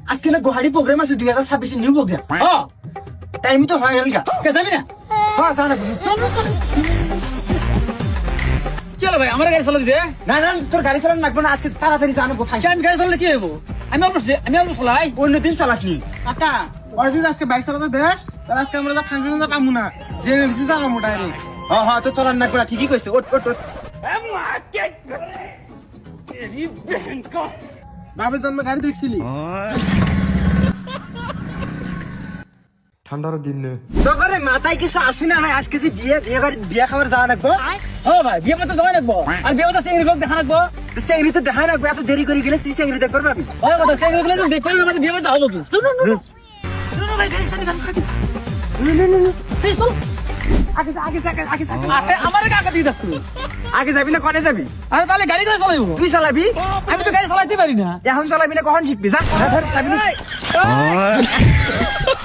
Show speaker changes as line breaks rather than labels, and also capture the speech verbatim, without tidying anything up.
আজকে না গুহারি প্রোগ্রাম আছে দুই হাজার ছাব্বিশ নিউ প্রোগ্রাম
হ্যাঁ
টাইম তো হয়ে গেল
কে যাবি না
হ্যাঁ জানা
কি হলো ভাই আমার গাড়ি চালা দিতে
না না তোর গাড়ি চালানো লাগবে না আজকে তাড়াতাড়ি জানাবো
আমি গাড়ি চালালে কি হইব আমি অল্প আমি অল্প চালাই
অন্যদিন চালাসনি
কাকা ওরা যদি আজকে বাইক চালাতে দেয় তাহলে আজকে আমরা ফাংশনে পাবো না যে জানাবো ডাইরেক্ট
হ্যাঁ হ্যাঁ তো চালান লাগবে না ঠিকই কইছে ওট ওট ওট
বাপের জন্মে গাড়ি দেখছিলি
ঠান্ডার দিন
তো করে মাথায় কিছু আসি না নাই আজকে যে বিয়ে বিয়ে বাড়ি বিয়ে খাবার যাওয়া লাগবো
হ্যাঁ ভাই বিয়ে করতে যাওয়াই লাগবো আর বিয়ে করতে সেই লোক দেখা লাগবো
চেংড়ি তো দেখা লাগবে এত দেরি করে গেলে তুই চেংড়ি দেখবার পাবি
ওই কথা সেই লোক দেখতে আমাদের বিয়ে করতে হবো কি শুনুন শুনুন ভাই গাড়ির সাথে গান খাবি এই চল
আগে যা, আগে যা, আগে যা, আগে যা।
আরে আমার কাকা দিয়ে দাস তুমি
আগে যাবি না কনে যাবি
আরে তাহলে গাড়ি করে চালাইবো
তুই চালাবি
আমি তো গাড়ি চালাইতে পারি না
এখন চালাবি না কখন শিখবি যা ধর, ধর, চাবি নি।